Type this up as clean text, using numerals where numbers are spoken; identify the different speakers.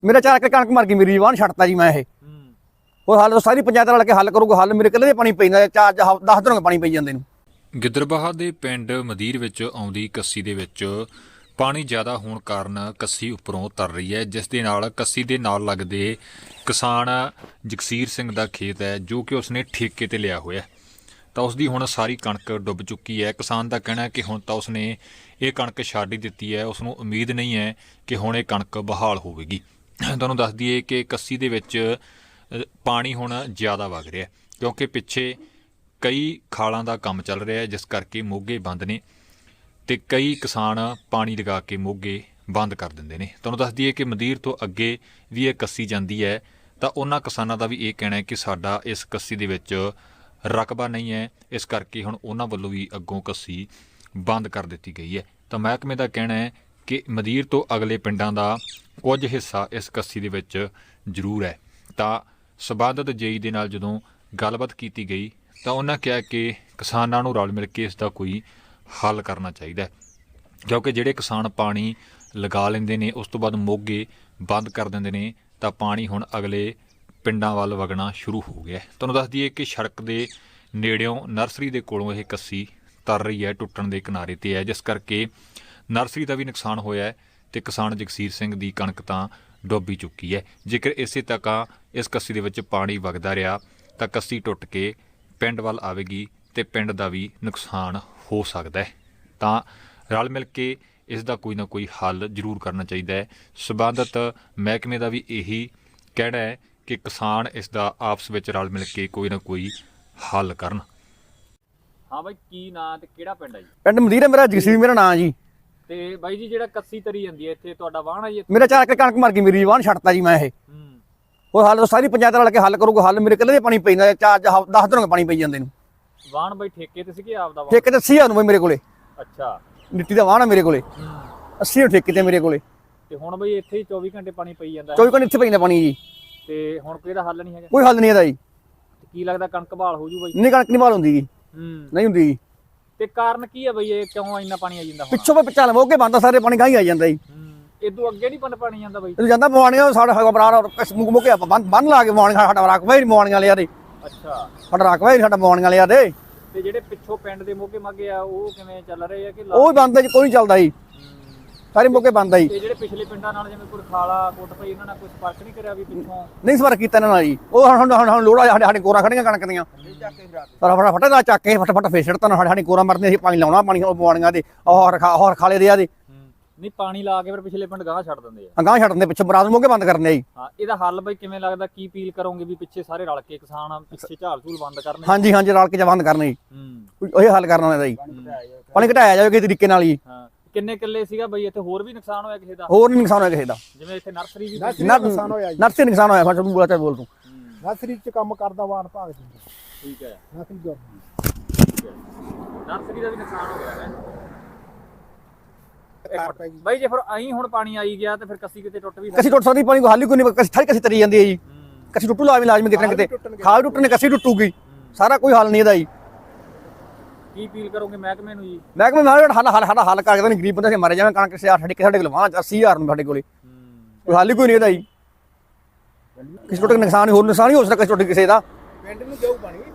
Speaker 1: मेरा 4 ਏਕੜ कणक मर गई मेरी वाहन छड़ता जी मैं ये और हल सारी पंचायत रल के हल करूगा हल मेरे कल्ले दे पानी पैंदा 4-10 ਦਿਨ ਪਾਣੀ ਪਈ ਜਾਂਦੇ ਨੂੰ।
Speaker 2: ਗਿੱਦੜਬਾਹਾ ਦੇ ਪਿੰਡ ਮਦੀਰ ਵਿੱਚ ਆਉਂਦੀ ਕੱਸੀ ਦੇ ਵਿੱਚ ਪਾਣੀ ਜ਼ਿਆਦਾ ਹੋਣ ਕਾਰਨ ਕੱਸੀ ਉੱਪਰੋਂ ਤਰ ਰਹੀ ਹੈ, ਜਿਸ ਦੇ ਨਾਲ ਕੱਸੀ ਦੇ ਨਾਲ ਲੱਗਦੇ ਕਿਸਾਨ ਜਗਸੀਰ ਸਿੰਘ ਦਾ ਖੇਤ ਹੈ ਜੋ ਕਿ ਉਸਨੇ ਠੇਕੇ ਤੇ ਲਿਆ ਹੋਇਆ ਤਾਂ ਉਸ ਦੀ ਹੁਣ ਸਾਰੀ ਕਣਕ ਡੁੱਬ ਚੁੱਕੀ ਹੈ। ਕਿਸਾਨ ਦਾ ਕਹਿਣਾ ਹੈ ਕਿ ਹੁਣ ਤਾਂ ਉਸਨੇ ਇਹ ਕਣਕ ਛੱਡ ਹੀ ਦਿੱਤੀ ਹੈ, ਉਸਨੂੰ ਉਮੀਦ ਨਹੀਂ ਹੈ ਕਿ ਹੁਣ ਇਹ ਕਣਕ ਬਹਾਲ ਹੋਵੇਗੀ। ਤੁਹਾਨੂੰ ਦੱਸ ਦਈਏ ਕਿ ਕੱਸੀ ਦੇ ਵਿੱਚ ਪਾਣੀ ਹੁਣ ਜ਼ਿਆਦਾ ਵਗ ਰਿਹਾ ਕਿਉਂਕਿ ਪਿੱਛੇ ਕਈ ਖਾਲਾਂ ਦਾ ਕੰਮ ਚੱਲ ਰਿਹਾ ਜਿਸ ਕਰਕੇ ਮੋਗੇ ਬੰਦ ਨੇ ਤੇ ਕਈ ਕਿਸਾਨ ਪਾਣੀ ਲਗਾ ਕੇ ਮੋਗੇ ਬੰਦ ਕਰ ਦਿੰਦੇ ਨੇ। ਤੁਹਾਨੂੰ ਦੱਸ ਦਈਏ ਕਿ ਮਦੀਰ ਤੋਂ ਅੱਗੇ ਵੀ ਇਹ ਕੱਸੀ ਜਾਂਦੀ ਹੈ ਤਾਂ ਉਹਨਾਂ ਕਿਸਾਨਾਂ ਦਾ ਵੀ ਇਹ ਕਹਿਣਾ ਹੈ ਕਿ ਸਾਡਾ ਇਸ ਕੱਸੀ ਦੇ ਵਿੱਚ ਰਕਬਾ ਨਹੀਂ ਹੈ, ਇਸ ਕਰਕੇ ਹੁਣ ਉਹਨਾਂ ਵੱਲੋਂ ਵੀ ਅੱਗੋਂ ਕੱਸੀ ਬੰਦ ਕਰ ਦਿੱਤੀ ਗਈ ਹੈ। ਤਾਂ ਮਹਿਕਮੇ ਦਾ ਕਹਿਣਾ ਹੈ ਕਿ ਮਦੀਰ ਤੋਂ ਅਗਲੇ ਪਿੰਡਾਂ ਦਾ ਕੁਝ ਹਿੱਸਾ ਇਸ ਕੱਸੀ ਦੇ ਵਿੱਚ ਜ਼ਰੂਰ ਹੈ। ਤਾਂ ਸਬੰਧਤ ਜੇਈ ਦੇ ਨਾਲ ਜਦੋਂ ਗੱਲਬਾਤ ਕੀਤੀ ਗਈ ਤਾਂ ਉਹਨਾਂ ਕਿਹਾ ਕਿ ਕਿਸਾਨਾਂ ਨੂੰ ਰਲ ਮਿਲ ਕੇ ਇਸ ਦਾ ਕੋਈ ਹੱਲ ਕਰਨਾ ਚਾਹੀਦਾ ਹੈ ਕਿਉਂਕਿ ਜਿਹੜੇ ਕਿਸਾਨ ਪਾਣੀ ਲਗਾ ਲੈਂਦੇ ਨੇ ਉਸ ਤੋਂ ਬਾਅਦ ਮੋਗੇ ਬੰਦ ਕਰ ਦਿੰਦੇ ਨੇ ਤਾਂ ਪਾਣੀ ਹੁਣ ਅਗਲੇ ਪਿੰਡਾਂ ਵੱਲ ਵਗਣਾ ਸ਼ੁਰੂ ਹੋ ਗਿਆ। ਤੁਹਾਨੂੰ ਦੱਸ ਦਈਏ ਕਿ ਸੜਕ ਦੇ ਨੇੜਿਓਂ ਨਰਸਰੀ ਦੇ ਕੋਲੋਂ ਇਹ ਕੱਸੀ ਤਰ ਰਹੀ ਹੈ, ਟੁੱਟਣ ਦੇ ਕਿਨਾਰੇ ਤੇ ਹੈ, ਜਿਸ ਕਰਕੇ ਨਰਸਰੀ ਦਾ ਵੀ ਨੁਕਸਾਨ ਹੋਇਆ ਹੈ ਤੇ ਕਿਸਾਨ ਜਗਸੀਰ ਸਿੰਘ ਦੀ ਕਣਕ ਤਾਂ ਡੁੱਬ ਚੁੱਕੀ ਹੈ। ਜੇਕਰ ਇਸੇ ਤੱਕਾਂ ਇਸ ਕੱਸੀ ਦੇ ਵਿੱਚ ਪਾਣੀ ਵਗਦਾ ਰਿਹਾ ਤਾਂ ਕੱਸੀ ਟੁੱਟ ਕੇ ਪਿੰਡ ਵੱਲ ਆਵੇਗੀ ਤੇ ਪਿੰਡ ਦਾ ਵੀ ਨੁਕਸਾਨ ਹੋ ਸਕਦਾ ਹੈ। ਤਾਂ ਰਲ ਮਿਲ ਕੇ ਇਸ ਦਾ ਕੋਈ ਨਾ ਕੋਈ ਹੱਲ ਜ਼ਰੂਰ ਕਰਨਾ ਚਾਹੀਦਾ ਹੈ। ਸਬੰਧਤ ਮਹਿਕਮੇ ਦਾ ਵੀ ਇਹੀ ਕਹਿਣਾ ਹੈ ਕਿ ਕਿਸਾਨ ਇਸ ਦਾ ਆਪਸ ਵਿੱਚ ਰਲ ਮਿਲ ਕੇ ਕੋਈ ਨਾ ਕੋਈ ਹੱਲ ਕਰਨ।
Speaker 3: ਹਾਂ ਬਾਈ, ਕੀ ਨਾਂ ਤੇ ਕਿਹੜਾ ਪਿੰਡ ਹੈ ਜੀ?
Speaker 1: ਪਿੰਡ ਮਦੀਰ ਹੈ ਮੇਰਾ, ਜਗਸੀਰ ਮੇਰਾ ਨਾਂ ਜੀ।
Speaker 3: ਤੇ ਬਾਈ ਜੀ ਜਿਹੜਾ ਕੱਸੀ ਤਰੀ ਜਾਂਦੀ ਹੈ ਇੱਥੇ ਤੁਹਾਡਾ ਵਾਹਣ ਹੈ ਜੀ?
Speaker 1: ਮੇਰਾ 4 ਏਕੜ ਕਣਕ ਮਰ ਗਈ ਮੇਰੀ ਵਾਹਨ ਛੜਤਾ ਜੀ ਮੈਂ ਇਹ और हल सारी पंचायत रल के हल करूगा हल मेरे कल्ले दे पानी पैंदा 4-10 ਦਿਨ ਪਾਣੀ ਪਈ ਜਾਂਦੇ ਨੂੰ।
Speaker 3: ਵਾਹਣ ਬਾਈ ਠੇਕੇ ਤੇ ਸੀ ਕਿ ਆਪਦਾ ਵਾਹਣ?
Speaker 1: ਠੇਕੇ ਤੇ 80,000 ਨੂੰ ਬਈ ਮੇਰੇ ਕੋਲੇ।
Speaker 3: ਅੱਛਾ,
Speaker 1: ਮਿੱਟੀ ਦਾ ਵਾਹਣ ਹੈ ਮੇਰੇ ਕੋਲੇ, 80 ਠੇਕੇ ਤੇ ਮੇਰੇ ਕੋਲੇ।
Speaker 3: ਤੇ ਹੁਣ ਬਈ ਇੱਥੇ ਹੀ 24 ਘੰਟੇ ਪਾਣੀ ਪਈ ਜਾਂਦਾ
Speaker 1: 24 ਘੰਟੇ ਇੱਥੇ ਪੈਂਦਾ ਪਾਣੀ ਜੀ।
Speaker 3: ਤੇ ਹੁਣ ਕੋਈ ਇਹਦਾ ਹੱਲ ਨਹੀਂ ਹੈਗਾ?
Speaker 1: ਕੋਈ ਹੱਲ ਨਹੀਂ ਇਹਦਾ ਜੀ।
Speaker 3: ਕੀ ਲੱਗਦਾ ਕਣਕ ਬਹਾਲ ਹੋ ਜੂ ਬਾਈ?
Speaker 1: ਨਹੀਂ ਕਣਕ ਨਹੀਂ ਬਹਾਲ ਹੁੰਦੀ ਜੀ, ਨਹੀਂ ਹੁੰਦੀ ਜੀ।
Speaker 3: ਤੇ ਕਾਰਨ ਕੀ ਹੈ ਬਈ, ਇਹ ਕਿਉਂ ਇੰਨਾ ਪਾਣੀ ਆ ਜਾਂਦਾ?
Speaker 1: ਪਿੱਛੋਂ ਪੇ ਚੱਲ ਮੋਗੇ ਬੰਦਾ ਸਾਰੇ ਪਾਣੀ ਗਾਂ ਹੀ ਆ ਜਾਂਦਾ ਜੀ।
Speaker 3: ਇਦੋਂ ਅੱਗੇ ਨਹੀਂ ਪਾਣੀ ਜਾਂਦਾ ਬਾਈ?
Speaker 1: ਇਹ ਜਾਂਦਾ ਮਵਾਣੀਆਂ ਸਾਡਾ ਹੈਗਾ ਬਰਾਰ ਮੋਗੇ ਬੰਨ ਲਾ ਕੇ ਮਵਾਣੀਆਂ ਸਾਡਾ ਰਕਬਾ ਹੀ ਮਵਾਣੀਆਂ ਲਿਆ ਦੇ।
Speaker 3: ਅੱਛਾ,
Speaker 1: ਸਾਡਾ ਰਕਬਾ ਹੀ ਸਾਡਾ ਮਵਾਣੀਆਂ ਲਿਆ ਦੇ।
Speaker 3: ਤੇ ਜਿਹੜੇ ਪਿੱਛੋਂ ਪਿੰਡ ਦੇ ਮੋਗੇ ਮਾਗੇ ਆ ਉਹ ਕਿਵੇਂ ਚੱਲ ਰਹੇ ਆ ਕਿ
Speaker 1: ਉਹ ਵੀ ਬੰਦ ਹੈ ਜੀ, ਕੋਈ ਨਹੀਂ ਚੱਲਦਾ ਜੀ, ਸਾਰੇ ਮੋਗੇ ਬੰਦ ਆ ਜੀ।
Speaker 3: ਤੇ ਜਿਹੜੇ ਪਿਛਲੇ ਪਿੰਡਾਂ ਨਾਲ ਜਿਵੇਂ ਕੋਈ ਖਾਲਾ ਕੋਟ ਪਈ ਇਹਨਾਂ ਨਾਲ ਕੋਈ ਸੰਪਰਕ ਨਹੀਂ ਕਰਿਆ ਵੀ ਪਿੱਛੋਂ?
Speaker 1: ਨਹੀਂ ਸਵਾਰ ਕੀਤਾ ਇਹਨਾਂ ਨਾਲ ਜੀ। ਉਹ ਹੁਣ ਲੋੜਾ ਸਾਡੇ ਕੋਰਾ ਖੜੀਆਂ ਕਣਕ ਦੀਆਂ ਫਟਾਫਟ ਦਾ ਚੱਕ ਕੇ ਫਟਾਫਟ ਫੇਰ ਛੱਡਤਾ ਸਾਡੇ ਕੋਰਾ ਮਰਦੇ ਅਸੀਂ ਪਾਣੀ ਲਾਉਣਾ, ਪਾਣੀ ਮਵਾਣੀਆਂ ਦੇ ਹੋਰ ਖਾਲੇ ਦੇ ਆ ਦੇ।
Speaker 3: ਨਹੀਂ ਪਾਣੀ ਲਾ ਕੇ ਫਿਰ ਪਿਛਲੇ ਪਿੰਡ ਗਾਂ ਛੱਡ ਦਿੰਦੇ ਆ?
Speaker 1: ਗਾਂ ਛੱਡ ਦਿੰਦੇ, ਪਿੱਛੇ ਬਰਾਦ ਮੋਗੇ ਬੰਦ ਕਰਨੇ ਜੀ।
Speaker 3: ਹਾਂ, ਇਹਦਾ ਹੱਲ ਬਈ ਕਿਵੇਂ ਲੱਗਦਾ? ਕੀ ਅਪੀਲ ਕਰੋਗੇ ਵੀ ਪਿੱਛੇ ਸਾਰੇ ਰਲ ਕੇ ਕਿਸਾਨ ਪਿੱਛੇ ਝਾਲ ਝੂਲ ਬੰਦ ਕਰਨੇ?
Speaker 1: ਹਾਂਜੀ ਹਾਂਜੀ, ਰਲ ਕੇ ਬੰਦ ਕਰਨੇ ਜੀ। ਉਹ ਹੱਲ ਕਰਨਾ ਇਹਦਾ ਜੀ, ਪਾਣੀ ਘਟਾਇਆ ਜਾਵੇ ਕਿਸੇ ਤਰੀਕੇ ਨਾਲ ਜੀ।
Speaker 3: ਹਾਂ, ਕਿੰਨੇ ਕਿੱਲੇ ਸੀਗਾ ਬਈ ਇੱਥੇ? ਹੋਰ ਵੀ ਨੁਕਸਾਨ ਹੋਇਆ ਕਿਸੇ ਦਾ?
Speaker 1: ਹੋਰ ਨਹੀਂ ਨੁਕਸਾਨ ਹੋਇਆ ਕਿਸੇ ਦਾ,
Speaker 3: ਜਿਵੇਂ ਇੱਥੇ ਨਰਸਰੀ ਵੀ
Speaker 1: ਨੁਕਸਾਨ ਹੋਇਆ, ਨਰਸਰੀ ਨੁਕਸਾਨ ਹੋਇਆ। ਫਿਰ ਬੋਲ ਤੂੰ
Speaker 4: ਨਰਸਰੀ ਚ ਕੰਮ ਕਰਦਾ ਵਾਹਨ ਭਾਗ ਦਿੰਦਾ।
Speaker 3: ਠੀਕ ਹੈ,
Speaker 4: ਨਰਸਰੀ ਜੋਬ
Speaker 3: ਨਰਸਰੀ ਦਾ ਵੀ ਨੁਕਸਾਨ ਹੋ ਗਿਆ ਹੈ ਬਾਈ। ਜੇ ਫਿਰ ਆਈ ਹੁਣ ਪਾਣੀ ਆਈ ਗਿਆ ਤੇ ਫਿਰ ਕੱਸੀ ਕਿਤੇ ਟੁੱਟ ਵੀ
Speaker 1: ਕੱਸੀ ਟੁੱਟ ਸਕਦੀ, ਪਾਣੀ ਕੋਈ ਹੱਲ ਹੀ ਕੋਈ ਨਹੀਂ। ਕੱਸੀ ਤਰੀ ਜਾਂਦੀ ਹੈ ਜੀ, ਕੱਸੀ ਟੁੱਟੂ ਲਾਜ਼ਮੀ ਕਿਤੇ ਨਾ ਕਿਤੇ, ਖਾਲ ਟੁੱਟਣੇ ਕੱਸੀ ਟੁੱਟੂਗੀ, ਸਾਰਾ ਕੋਈ ਹੱਲ ਨਹੀਂ ਇਹਦਾ ਜੀ।
Speaker 3: ਕੀ ਅਪੀਲ ਕਰੋਗੇ ਮਹਿਕਮੇ ਨੂੰ ਜੀ?
Speaker 1: ਮਹਿਕਮੇ ਨਾਲ ਸਾਡਾ ਹੱਲ ਕਰਕੇ ਤਾਂ ਗਰੀਬ ਬੰਦੇ ਮਰ ਜਾਵੇ। ਕਣਕ ਸਾਡੇ ਕੋਲ ਵਾਹ 80,000 ਨੂੰ ਸਾਡੇ ਕੋਲੇ, ਕੋਈ ਹੱਲ ਹੀ ਕੋਈ ਨਹੀਂ ਇਹਦਾ ਜੀ। ਕਿਸੇ ਟੁੱਟ ਨੁਕਸਾਨ ਹੀ ਹੋਰ ਨੁਕਸਾਨ ਹੀ ਹੋ ਸਕਦਾ ਕਿਸੇ ਟੁੱਟ ਕਿਸੇ ਦਾ।
Speaker 4: ਪਿੰਡ ਨੂੰ ਜਾਊ ਪਾਣੀ।